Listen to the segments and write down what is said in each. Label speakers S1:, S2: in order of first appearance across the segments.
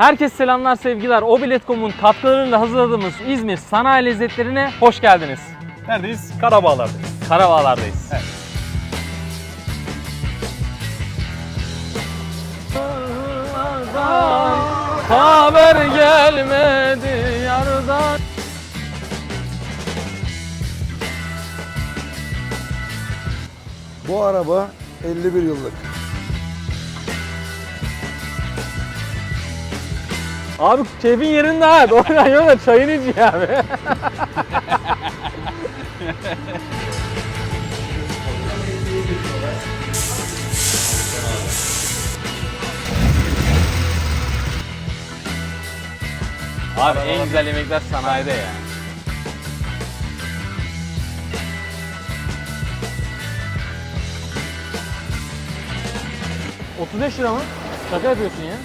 S1: Herkese selamlar, sevgiler. Obilet.com'un katkılarıyla hazırladığımız İzmir sanayi lezzetlerine hoş geldiniz.
S2: Neredeyiz? Karabağlar'dayız.
S1: Karabağlar'dayız.
S2: Evet.
S1: Haber gelmedi yardan.
S3: Bu araba 51 yıllık.
S1: Abi keyfin yerinde ha. Doğrudan yola çayını iç ya abi. Abi en güzel yemekler sanayide ya. $35 mı? Şaka yapıyorsun ya.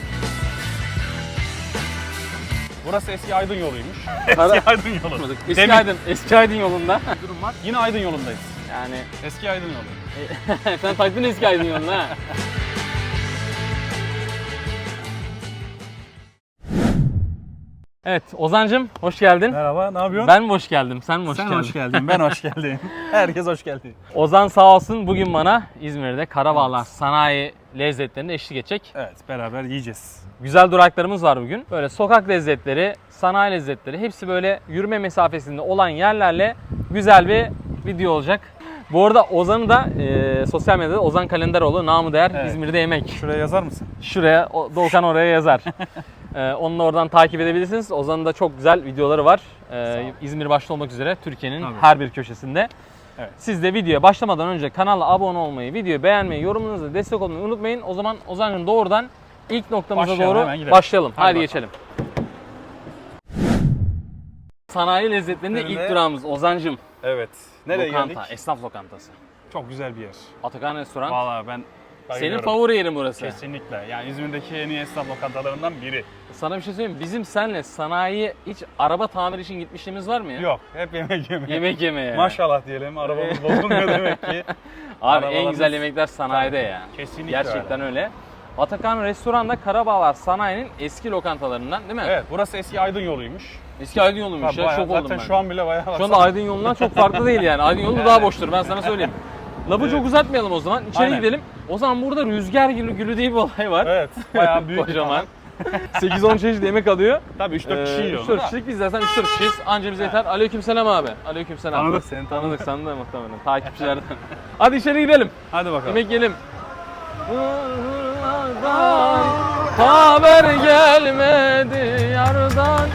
S2: Burası eski Aydın yoluymuş.
S1: Kara-
S2: Eski Aydın yolu.
S1: Eski Aydın yolunda. Durum var.
S2: Yine Aydın yolundayız.
S1: Yani
S2: Eski Aydın yolu.
S1: sen taktın eski Aydın yoluna ha. Evet Ozan'cım hoş geldin.
S2: Merhaba, ne yapıyorsun?
S1: Ben mi hoş geldim? Sen mi hoş
S2: Sen
S1: geldin?
S2: hoş geldin, ben hoş geldim. Herkes hoş geldi.
S1: Ozan sağ olsun bugün bana İzmir'de Karabağlar sanayi lezzetlerinde eşlik edecek.
S2: Evet, beraber yiyeceğiz.
S1: Güzel duraklarımız var bugün. Böyle sokak lezzetleri, sanayi lezzetleri hepsi böyle yürüme mesafesinde olan yerlerle güzel bir video olacak. Bu arada Ozan'ı da sosyal medyada Ozan Kalenderoğlu namı değer
S2: Evet.
S1: İzmir'de yemek.
S2: Şuraya yazar mısın?
S1: Şuraya, Doğukan oraya yazar. Onu da oradan takip edebilirsiniz. Ozan'ın da çok güzel videoları var. İzmir başta olmak üzere Türkiye'nin
S2: Tabii.
S1: her bir köşesinde.
S2: Evet.
S1: Siz de videoya başlamadan önce kanala abone olmayı, videoyu beğenmeyi, yorumunuza destek olmayı unutmayın. O zaman Ozan'ın doğrudan ilk noktamıza
S2: Başlayalım, hemen
S1: doğru
S2: gidelim.
S1: başlayalım.
S2: Hadi
S1: Hadi
S2: bakalım.
S1: geçelim. Sanayi lezzetlerinde ilk
S2: Nerede?
S1: durağımız Ozan'cım.
S2: Evet. Nereye
S1: Lokanta,
S2: geldik?
S1: esnaf lokantası.
S2: Çok güzel bir yer.
S1: Atakan Restoran.
S2: Vallahi ben
S1: Senin
S2: bayılıyorum.
S1: favori yerin burası.
S2: Kesinlikle. Yani İzmir'deki en iyi esnaf lokantalarından biri.
S1: Sana bir şey söyleyeyim mi? Bizim senle sanayiye hiç araba tamir için gitmişliğimiz var mı ya?
S2: Yok, hep yemek yemeye.
S1: Yemek yemeye.
S2: Maşallah diyelim, arabamız bozulmuyor demek ki.
S1: Abi en
S2: Arabalarımız-
S1: güzel yemekler sanayide ya.
S2: Kesinlikle
S1: Gerçekten öyle. Atakan Restoran'da Karabağlar Sanayi'nin eski lokantalarından değil mi?
S2: Evet, burası eski Aydın yoluymuş.
S1: Eski Aydın yoluymuş
S2: Tabii
S1: ya.
S2: bayağı,
S1: Şok oldum
S2: zaten
S1: ben.
S2: şu an bile bayağı
S1: Şu anda
S2: baksana.
S1: Aydın yolundan çok farklı değil yani. Aydın yolu daha boştur ben sana söyleyeyim. Lafı çok uzatmayalım o zaman. İçeri
S2: Aynen.
S1: gidelim. O zaman burada rüzgar gülü diye bir olay var.
S2: Evet, bayağı büyük.
S1: Kocaman. 8-10 çeşit yemek alıyor.
S2: Tabii 3-4 kişi yiyor.
S1: 3-4 kişilik biz zaten 3-4 kişiyiz. Anca bize yeter. Aleykümselam abi. Aleykümselam.
S2: Tanıdık seni,
S1: Tanıdık sen de muhtemelen. Takipçilerden. Hadi içeri gidelim.
S2: Hadi bakalım.
S1: Yemek yiyelim. Haber gelmedi yardan.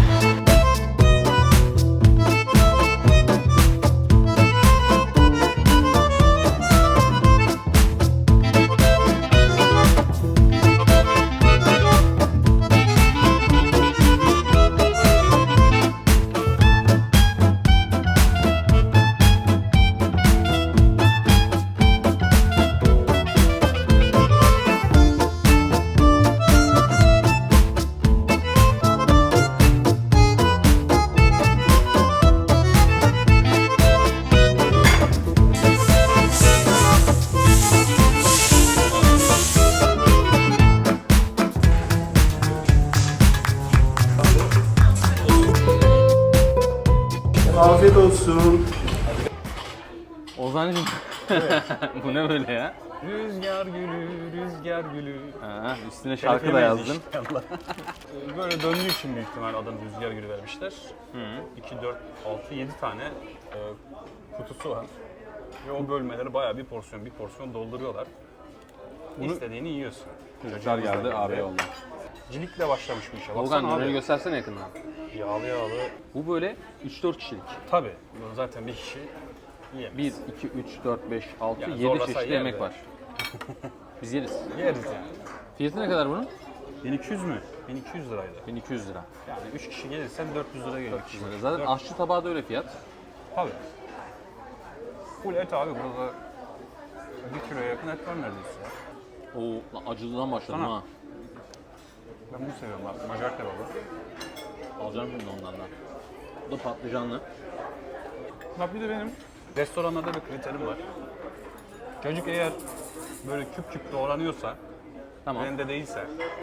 S3: Afiyet olsun.
S1: Ozan'cığım. Bu ne böyle ya?
S2: Rüzgar gülü, rüzgar gülü.
S1: Ha, üstüne şarkı da yazdın.
S2: İnşallah. Böyle döndüğü için büyük ihtimal adını rüzgar gülü vermişler. 2, 4, 6, 7 tane kutusu var. Ve o bölmeleri bayağı bir porsiyon dolduruyorlar. İstediğini yiyorsun.
S1: Rüzgar geldi abi yolda.
S2: Cilikle başlamış bu işe.
S1: Volkan
S2: Baksana
S1: döneri
S2: abi.
S1: göstersene yakından.
S2: Yağlı yağlı.
S1: Bu böyle 3-4 kişilik.
S2: Tabii. Bu zaten bir kişi yiyemez.
S1: 1, 2, 3, 4, 5, 6,
S2: Yani
S1: 7
S2: zorlasa
S1: çeşit
S2: yer
S1: yemek
S2: de.
S1: var. Biz yeriz.
S2: Yeriz yani.
S1: Fiyatı ne kadar bunun?
S2: 1200 mü? 1200 liraydı.
S1: 1200 lira.
S2: Yani 3 kişi gelirsen 400 lira geliyor.
S1: Zaten aşçı tabağı da öyle fiyat.
S2: Tabii. Full et abi burada 1 kiloya yakın et var neredeyse ya.
S1: Oo, lan acılıdan başladım
S2: Sana.
S1: ha.
S2: Ben bunu seviyorum abi. Macar kebabı.
S1: Alacağım şimdi ondan da. Bu da patlıcanlı.
S2: Bak bir de benim restoranlarda bir kriterim var. Çocuk eğer böyle küp küp doğranıyorsa,
S1: Tamam.
S2: rende değilse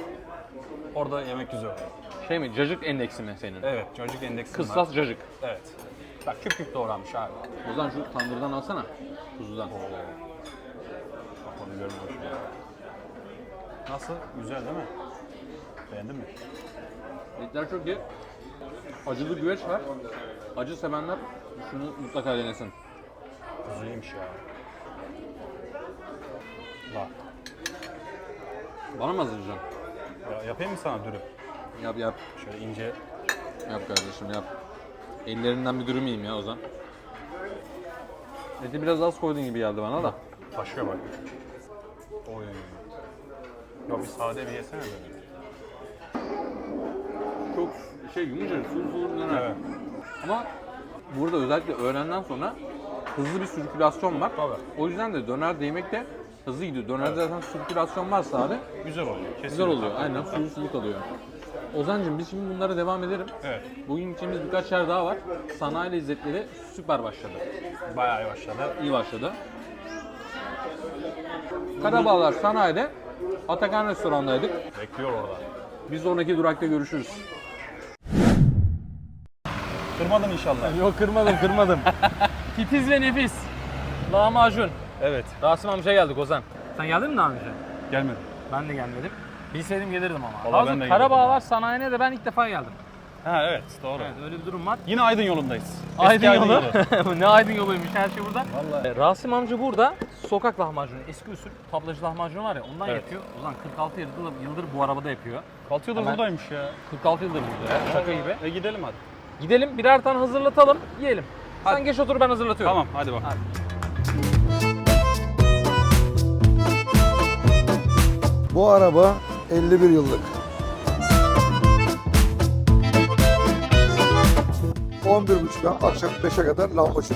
S2: Orada yemek güzel oluyor.
S1: Şey mi? Cacık endeksi mi senin?
S2: Evet, çocuk endeksi var.
S1: Kıssas cacık.
S2: Evet. Bak küp küp doğranmış abi.
S1: O zaman şu tandırdan alsana. Kuzudan.
S2: Bak onu görmemişim ya. Nasıl? Güzel değil mi? Beğendin mi?
S1: Etler çok iyi. Acılı güveç var. Acı sevenler şunu mutlaka denesin.
S2: Kuzuymuş ya. Bak.
S1: Bana mı hazırlayacaksın?
S2: Ya, yapayım mı sana dürüm?
S1: Yap yap.
S2: Şöyle ince.
S1: Yap kardeşim yap. Ellerinden bir dürüm yiyeyim ya Ozan. Eti biraz az koydun gibi geldi bana da.
S2: Taşıyor bak. Oy. Ya bir sade bir yesene böyle.
S1: Çok yumuşacık, sulu döner.
S2: Evet.
S1: Ama burada özellikle öğlenden sonra hızlı bir sirkülasyon var.
S2: Tabii.
S1: O yüzden de döner yemek de hızlı gidiyor. Dönerde zaten sirkülasyon varsa abi
S2: Güzel oluyor. Kesinlikle.
S1: güzel oluyor. Aynen sulu kalıyor. Ozancığım biz şimdi bunlara devam edelim.
S2: Evet.
S1: Bugün gideceğimiz birkaç yer daha var. Sanayi lezzetleri süper başladı.
S2: Bayağı iyi başladı.
S1: İyi başladı. Karabağlar Sanayi'de Atakan Restoran'daydık.
S2: Bekliyor orada.
S1: Bir sonraki durakta görüşürüz.
S2: Kırmadın inşallah.
S1: Yok kırmadım. Titiz ve nefis. Lahmacun.
S2: Evet.
S1: Rasim amca geldik Ozan. Sen geldin mi daha önce?
S2: Gelmedim.
S1: Ben de gelmedim. Bilseydim gelirdim ama.
S2: Vallahi ben de
S1: Karabağlar Sanayi'ne de ben ilk defa geldim.
S2: Ha evet doğru.
S1: Evet öyle bir durum var.
S2: Yine Aydın yolundayız.
S1: Aydın
S2: Eski
S1: yolu. Ne Aydın yoluymuş her şey burada.
S2: Vallahi.
S1: Rasim amca burada sokak lahmacunu, eski usul tablacı lahmacunu var ya ondan
S2: Evet.
S1: yapıyor. Ozan 46 yıldır bu arabada yapıyor.
S2: 6 yıldır
S1: Hemen-
S2: buradaymış ya.
S1: 46 yıldır burada ya. Şaka gibi.
S2: Gidelim hadi.
S1: Gidelim birer tane hazırlatalım, yiyelim. Sen geç otur ben hazırlatıyorum.
S2: Tamam hadi bak.
S3: Bu araba 51 yıllık. 11.30'dan akşam 5'e kadar lambacı.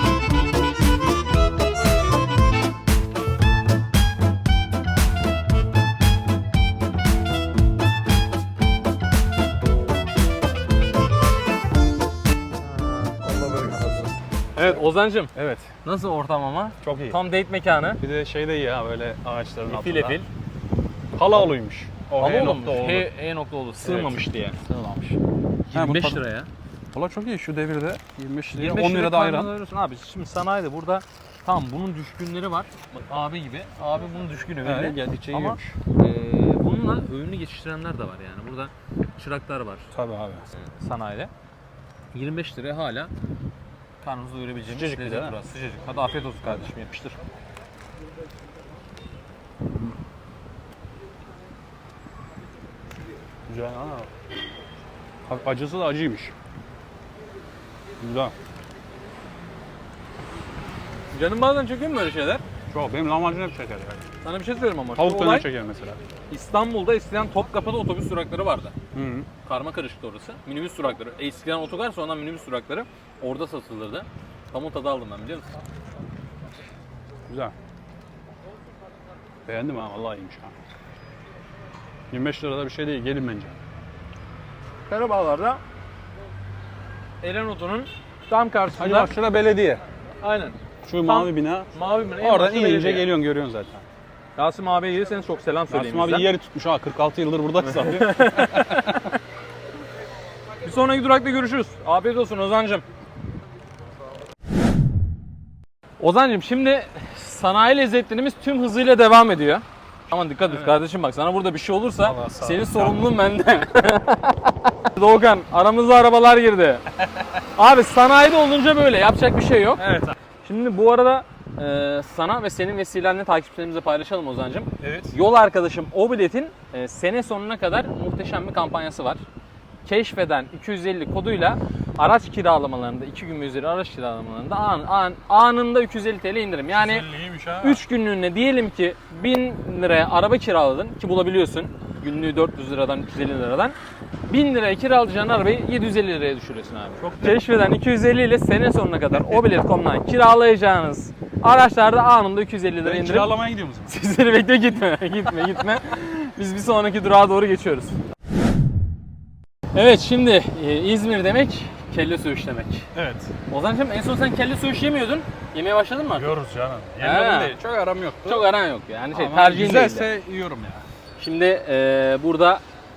S3: Allah bereket versin.
S1: Evet Ozancım
S2: Evet.
S1: nasıl ortam ama?
S2: Çok iyi.
S1: Tam date mekanı.
S2: Bir de şey de iyi ha böyle ağaçların altında.
S1: Efil efil.
S2: Halaoluymuş. O
S1: Ama
S2: H
S1: olmuş.
S2: nokta oğlu.
S1: H nokta oldu. Sığmamış diye.
S2: Sığmamış.
S1: 25 liraya.
S2: Valla çok iyi şu devirde 25 liraya
S1: 25
S2: 10 lira da ayran.
S1: karnını abi şimdi sanayide burada tamam bunun düşkünleri var. Bak abi gibi. Abi bunun düşkünü belli.
S2: Evet, geldikçe
S1: Ama
S2: yiyormuş.
S1: bununla öğünü geçiştirenler de var yani. Burada çıraklar var
S2: Tabii abi.
S1: sanayide. 25 liraya hala karnınızı doyurabileceğimiz
S2: Sıcacık bir de,
S1: lezzet
S2: değil mi?
S1: burası. Sıcacık. Hadi afiyet olsun kardeşim yapıştır.
S2: Güzel ha. Acısı da acıymış. Güzel.
S1: Canım bazen çekiyor mu böyle şeyler?
S2: Çok. Benim lahmacun hep şeker yani.
S1: Sana bir şey söyleyeyim ama.
S2: Tavuk
S1: Şu
S2: döner
S1: olay
S2: çeker mesela.
S1: İstanbul'da eskiden Topkapı'da otobüs durakları vardı.
S2: Hı -hı.
S1: Karma karışıktı orası. Minibüs durakları. Eskiden otogar sonradan minibüs durakları orada satılırdı. Tam o tadı aldım ben biliyor musun?
S2: Güzel. Beğendim ha. Vallahi iyiymiş ha. 25 lirada bir şey değil. Gelin bence.
S1: Karabağlar'da Erenot'un tam
S2: Hadi
S1: karşısında.
S2: bak şurada belediye.
S1: Aynen.
S2: Şu mavi bina.
S1: Mavi mi?
S2: Oradan inince geliyorsun görüyorsun zaten.
S1: Rasim abiye gelirseniz çok selam söyleyin
S2: Rasim abi
S1: bizden.
S2: yeri tutmuş ha. 46 yıldır buradayız abi.
S1: Bir sonraki durakta görüşürüz. Afiyet olsun Ozancım. Ozancım şimdi sanayi lezzetlerimiz tüm hızıyla devam ediyor. Aman dikkat et kardeşim bak sana burada bir şey olursa
S2: Vallahi sağ ol.
S1: senin sorumluluğun bende. Doğukan aramıza arabalar girdi. Abi sanayide olunca böyle yapacak bir şey yok.
S2: Evet abi.
S1: Şimdi bu arada sana ve senin vesilenle takipçilerimize paylaşalım Ozancım.
S2: Evet.
S1: Yol arkadaşım Obilet'in sene sonuna kadar muhteşem bir kampanyası var. Keşfeden 250 koduyla araç kiralamalarında 2 gün ve üzeri araç kiralamalarında anında 250 TL indirim. Yani
S2: İyiymiş ha.
S1: 3 günlüğüne diyelim ki 1000 liraya araba kiraladın ki bulabiliyorsun. Günlüğü 400 liradan 350 liradan. 1000 liraya kiralayacağın arabayı 750 liraya düşürüyorsun abi.
S2: Çok
S1: Keşfeden 250 ile sene sonuna kadar Obilet.com'dan kiralayacağınız araçlarda anında 250 lira
S2: Ben
S1: indirim.
S2: kiralamaya gidiyorum o zaman.
S1: Sizleri bekle gitme. Biz bir sonraki durağa doğru geçiyoruz. Evet şimdi İzmir demek kelle söğüş demek.
S2: Evet.
S1: Ozancığım en son sen kelle söğüş yemiyordun. Yemeye başladın mı?
S2: Yiyoruz canım.
S1: Ha.
S2: Yemiyorum değil. Çok aram yoktu.
S1: Çok aran yok yani
S2: Ama
S1: tercihin değil.
S2: güzelse yiyorum ya.
S1: Şimdi burada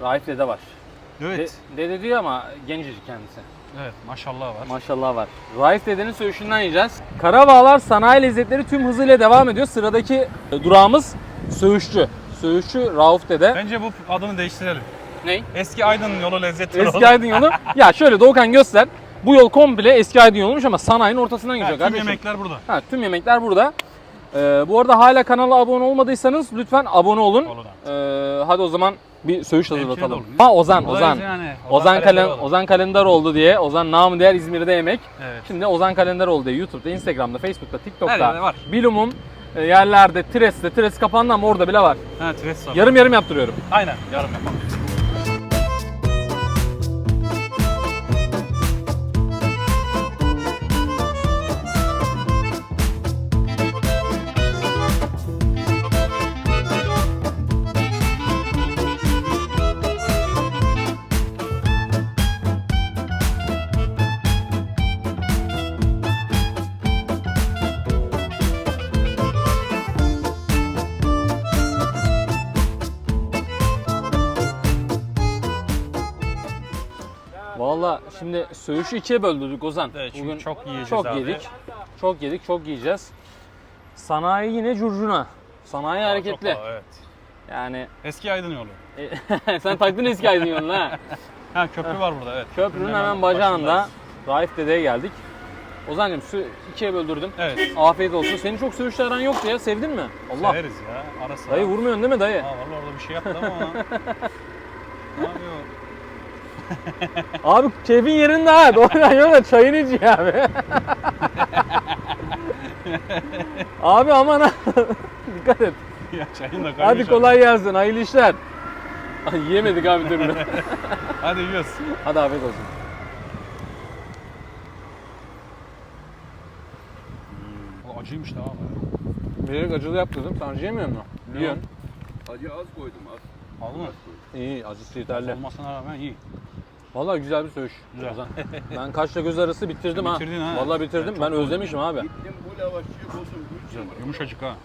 S1: Raif Dede var.
S2: Evet.
S1: Dede diyor ama gencecik kendisi.
S2: Evet, maşallah var.
S1: Maşallah var. Raif Dede'nin söğüşünden yiyeceğiz. Karabağlar Sanayi Lezzetleri tüm hızıyla devam ediyor. Sıradaki durağımız söğüşçü. Söğüşçü Rauf Dede.
S2: Bence bu adını değiştirelim.
S1: Ney?
S2: Eski Aydın yolu lezzetli
S1: Eski Aydın yolu. Ya şöyle Doğukan göster. Bu yol komple eski Aydın yoluymuş ama sanayinin ortasından geçiyor
S2: Tüm
S1: kardeşim.
S2: yemekler burada.
S1: Ha, tüm yemekler burada. Bu arada hala kanala abone olmadıysanız lütfen abone olun.
S2: Olun
S1: Hadi o zaman bir söğüş
S2: Hemşire
S1: hazırlatalım.
S2: de olur.
S1: Ha Ozan.
S2: Buradayız yani.
S1: Ozan Kalender oldu diye. Ozan namı değer İzmir'de yemek.
S2: Evet.
S1: Şimdi Ozan Kalender oldu diye YouTube'da, Instagram'da, Facebook'ta,
S2: Her
S1: TikTok'ta,
S2: yerde var.
S1: bilumum yerlerde, Tires kapandı ama orada bile var.
S2: Ha, tres var.
S1: Yarım yarım yaptırıyorum.
S2: Aynen, yarım yapalım.
S1: Valla şimdi söğüşü ikiye böldürdük Ozan.
S2: Evet, çünkü çok yiyeceğiz
S1: çok
S2: abi.
S1: yedik. Çok yedik, çok yiyeceğiz. Sanayi yine curcuna. Sanayi hareketli.
S2: Çok, evet.
S1: Yani
S2: Eski Aydın yolu.
S1: sen taktın eski Aydın yolunu ha.
S2: Ha, köprü var burada, evet.
S1: Köprünün hemen bacağında Raif Dede'ye geldik. Ozan'cığım ikiye böldürdüm.
S2: Evet.
S1: Afiyet olsun. Senin çok söğüşle aran yoktu ya. Sevdin mi? Allah.
S2: Severiz ya, ara sıra.
S1: Dayı vurmuyorsun değil mi dayı?
S2: Ha, vallahi orada bir şey yaptı ama ona. Ne yapıyor?
S1: Abi keyfin yerinde ha. Doğrudan yola çayını içiyor abi. Abi aman ha. Dikkat et.
S2: Ya çayın da kaymış.
S1: Hadi kolay gelsin. Hayırlı işler. Ay, yiyemedik abi türlü.
S2: Hadi yiyoruz.
S1: Hadi afiyet olsun.
S2: O acıymış da abi.
S1: Bilerek acılı yaptırdım. Sen acı yemiyor musun? Yiyorsun.
S4: Acı az koydum az.
S2: Aldın mı?
S1: İyi, acısı yeterli.
S2: Olmasına rağmen iyi.
S1: Vallahi güzel bir söğüş.
S2: Güzel.
S1: Ozan. Ben kaşla göz arası bitirdim ha.
S2: Bitirdin ha.
S1: Vallahi bitirdim.
S2: Çok
S1: Ben özlemişim abi.
S4: Gittim bu lavaşçıyı buldum.
S2: Güzel. Yumuşacık ha.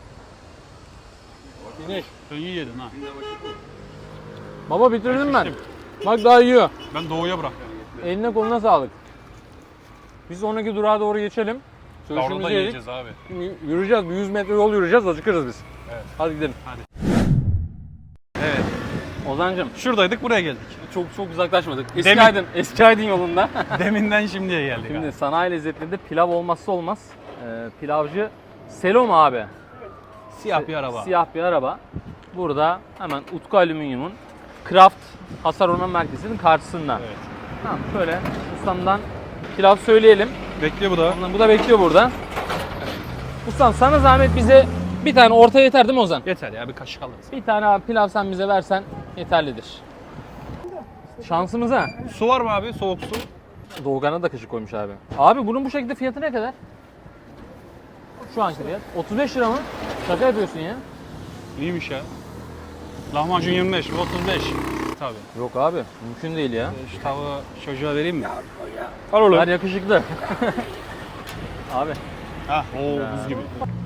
S1: Finish.
S2: Sen iyi yedin ha.
S1: Baba bitirdim ben.
S2: şiştim.
S1: Bak daha yiyor.
S2: Ben doğuya bıraktım.
S1: Eline koluna sağlık. Biz sonraki durağa doğru geçelim.
S2: Orada
S1: Söğüşümüzü yedik.
S2: yiyeceğiz abi.
S1: Yürüyeceğiz. Bir 100 metre yol yürüyeceğiz. Acıkırız biz.
S2: Evet.
S1: Hadi gidelim.
S2: Evet.
S1: Ozan'cığım
S2: Şuradaydık, buraya geldik.
S1: çok uzaklaşmadık.
S2: Demin-
S1: Eski Aydın yolunda.
S2: Deminden şimdiye geldik.
S1: Şimdi
S2: Şimdi
S1: sanayi lezzetlerinde pilav olmazsa olmaz. Pilavcı Selom abi.
S2: siyah bir araba.
S1: Siyah bir araba. Burada hemen Utku Alüminyum'un Kraft Hasar Onarma Merkezi'nin karşısında.
S2: Evet.
S1: Tamam şöyle ustamdan pilav söyleyelim.
S2: Bekliyor bu da.
S1: Bu da bekliyor burada. Ustam sana zahmet bize bir tane orta yeter değil mi Ozan?
S2: Yeter ya, bir kaşık alırız.
S1: Bir tane abi pilav sen bize versen yeterlidir. Şansımıza.
S2: Su var mı abi? Soğuk su.
S1: Doğukan'a da kaşık koymuş abi. Abi bunun bu şekilde fiyatı ne kadar? Şu anki fiyat. 35 lira mı? Şaka yapıyorsun ya.
S2: İyiymiş ya. Lahmacun 25, bu 35. Tabii.
S1: Yok abi mümkün değil ya.
S2: Şu tavuğu çocuğa vereyim mi? Al oğlum.
S1: Her yakışıklı. abi.
S2: Hah, buz gibi.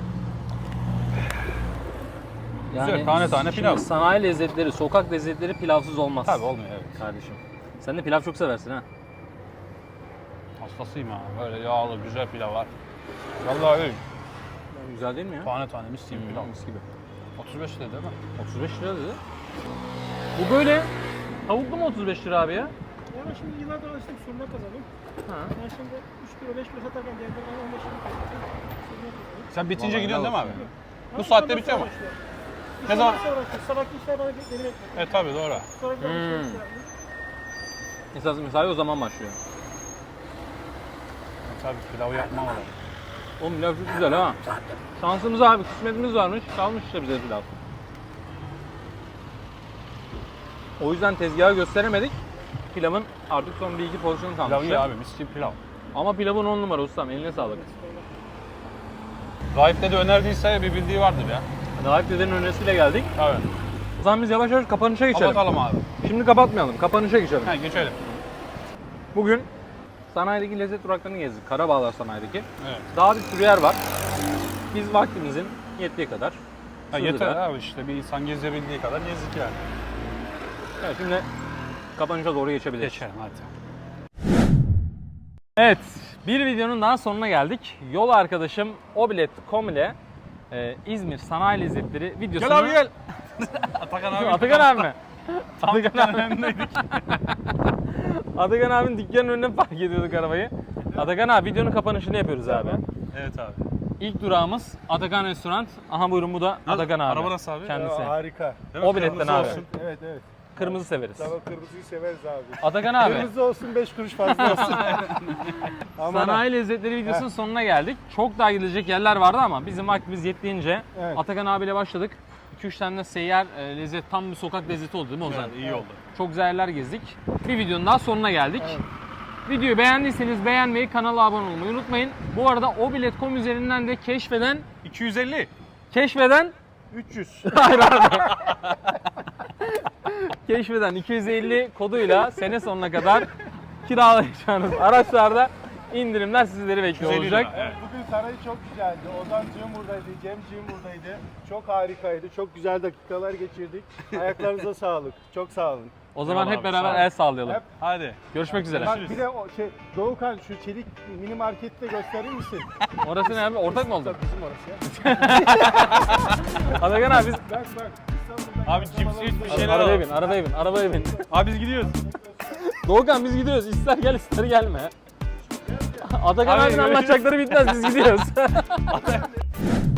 S2: Güzel, tane tane
S1: şimdi
S2: pilav.
S1: Sanayi lezzetleri, sokak lezzetleri pilavsız olmaz.
S2: Tabii olmuyor, evet.
S1: Kardeşim. Sen de pilav çok seversin ha.
S2: Hastasıyım ha. Böyle yağlı, güzel pilav var. Vallahi öyle.
S1: Güzel değil mi ya?
S2: Tane tane mis gibi pilav.
S1: Mis gibi.
S2: 35 lira değil mi?
S1: 35 lira dedi. Bu böyle tavuklu mu 35 lira abi ya?
S5: Ya ben şimdi yıllardır alıştım surma kazandım.
S1: Ha.
S5: Ben şimdi 3 kilo 5 kilo satarken diğerden 15 kilo surma kazandım.
S2: Sen bitince
S1: Vallahi
S2: gidiyorsun değil mi abi?
S5: Ha,
S2: Bu saatte
S5: ondan
S2: bitiyor mu?
S5: sonra işte.
S2: Ne zaman?
S5: Sonra işte sabahki işler bana beni bekliyor.
S2: Evet tabii doğru.
S5: Sonra bir
S1: Esas mesai o zaman başlıyor.
S2: Tabii pilavı yapmam lazım.
S1: Oğlum pilav çok güzel ha. Şansımız abi, kısmetimiz varmış. Kalmış işte bize pilav. O yüzden tezgahı gösteremedik. Pilavın artık son bir iki porsiyonu kalmış.
S2: Pilav iyi abi, mis gibi pilav.
S1: Ama pilavın 10 numara ustam, eline sağlık.
S2: Raif de önerdiyse bir bildiği vardır ya.
S1: Raif dedenin önerisiyle geldik.
S2: Evet.
S1: O zaman biz yavaş yavaş kapanışa geçelim.
S2: Kapatalım abi.
S1: Şimdi kapatmayalım, kapanışa geçelim.
S2: Ha, geçelim.
S1: Bugün sanayideki lezzet duraklarını gezdik. Karabağlar sanayideki.
S2: Evet.
S1: Daha bir sürü yer var. Biz vaktimizin yettiği kadar.
S2: Ha,
S1: sığdıra-
S2: yeter abi, işte bir insan gezebildiği kadar gezdik yani.
S1: Evet, şimdi kapanışa doğru geçebiliriz.
S2: Geçelim hadi.
S1: Evet, bir videonun daha sonuna geldik. Yol arkadaşım Obilet.com ile İzmir Sanayi Lezzetleri videosunu...
S2: Gel abi gel. Atakan abi.
S1: Atakan abi mi?
S2: Tam dükkanın önündeydik.
S1: Atakan abinin dükkanının önüne park ediyorduk arabayı. Atakan abi videonun kapanışını yapıyoruz abi.
S2: Evet abi.
S1: İlk durağımız Atakan Restoran. Aha buyurun bu da Atakan abi.
S2: Araba nasıl abi?
S1: Kendisi.
S5: Harika.
S2: Değil mi?
S1: O biletten
S2: Kırmızı
S1: abi.
S2: olsun.
S5: Evet evet.
S1: Kırmızı severiz.
S5: Tamam kırmızıyı severiz abi.
S1: Atakan abi.
S5: Kırmızı olsun 5 kuruş fazla olsun. Aman
S1: Sanayi Lezzetleri videosunun sonuna geldik. Çok daha gidilecek yerler vardı ama bizim vaktimiz yettiğince
S5: Evet.
S1: Atakan abiyle başladık. 2-3 tane de seyyar lezzet, tam bir sokak lezzeti oldu değil mi Ozan?
S2: Evet, iyi oldu.
S1: Çok güzel yerler gezdik. Bir videonun daha sonuna geldik.
S5: Evet.
S1: Videoyu beğendiyseniz beğenmeyi, kanala abone olmayı unutmayın. Bu arada obilet.com üzerinden de keşfeden
S2: 250.
S5: 300.
S1: hayır abi. Keşfeden 250 koduyla sene sonuna kadar kiralayacağınız araçlarda indirimler sizleri bekliyor
S2: 250
S1: olacak.
S2: lira, evet.
S5: Bugün saray çok güzeldi. Ozancığım buradaydı, Cemciğim buradaydı. Çok harikaydı. Çok güzel dakikalar geçirdik. Ayaklarınıza sağlık. Çok sağ olun.
S1: O zaman
S2: Eyvallah
S1: hep
S2: abi,
S1: beraber
S2: sağ ol.
S1: el sallayalım.
S5: Hep-
S2: Hadi.
S1: Görüşmek üzere.
S5: Bak bir de o Doğukan şu çelik mini markette gösterir misin?
S1: Orası ne abi? Ortak mı oldu?
S5: Tabii bizim orası ya.
S1: Atakan abi biz...
S5: Bak İstanbul'dan
S2: Abi cips bir şeyler
S1: Arabaya
S2: al.
S1: bin, arabaya bin, arabaya bin.
S2: Abi biz gidiyoruz.
S1: Doğukan biz gidiyoruz. İster gel ister gelme. Atakan
S2: Abi,
S1: abinin
S2: görüşürüz.
S1: anlatacakları bitmez biz gidiyoruz.